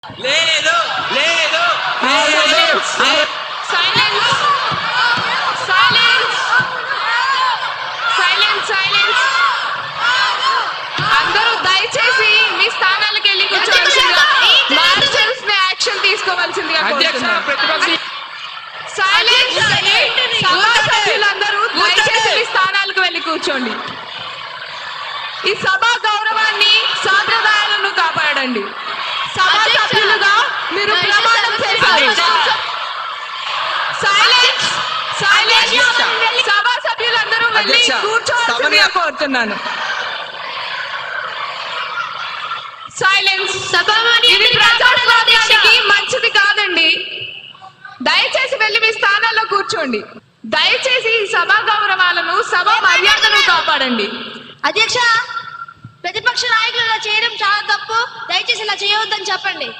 లేదు లేదు అందరూ దయచేసి మీ స్థానాలకు వెళ్ళి కూర్చోవలసిందిగా మార్షల్స్ ని యాక్షన్ తీసుకోవాల్సిందిగా కోరుతున్నాను. సైలెన్స్. సభా సభ్యులందరూ దయచేసి మీ స్థానాలకు వెళ్ళి కూర్చోండి. ఈ సభా గౌరవాన్ని సాంప్రదాయాలను కాపాడండి. సభా సభ్యులుగా మీరు ప్రమాణం చేశారు. సైలెన్స్. సభా సభ్యులందరూ వెళ్ళి కూర్చోవాల్సిందిగా కోరుతున్నాను. సైలెన్స్. ఇది ప్రజాస్వామ్యానికి మంచిది కాదండి. దయచేసి వెళ్ళి మీ స్థానాల్లో కూర్చోండి. దయచేసి ఈ సభా గౌరవాలను సభా మర్యాదను కాపాడండి. అధ్యక్ష, ప్రతిపక్ష నాయకులు ఇలా చేయడం చాలా తప్పు. దయచేసి ఇలా చేయవద్దని చెప్పండి.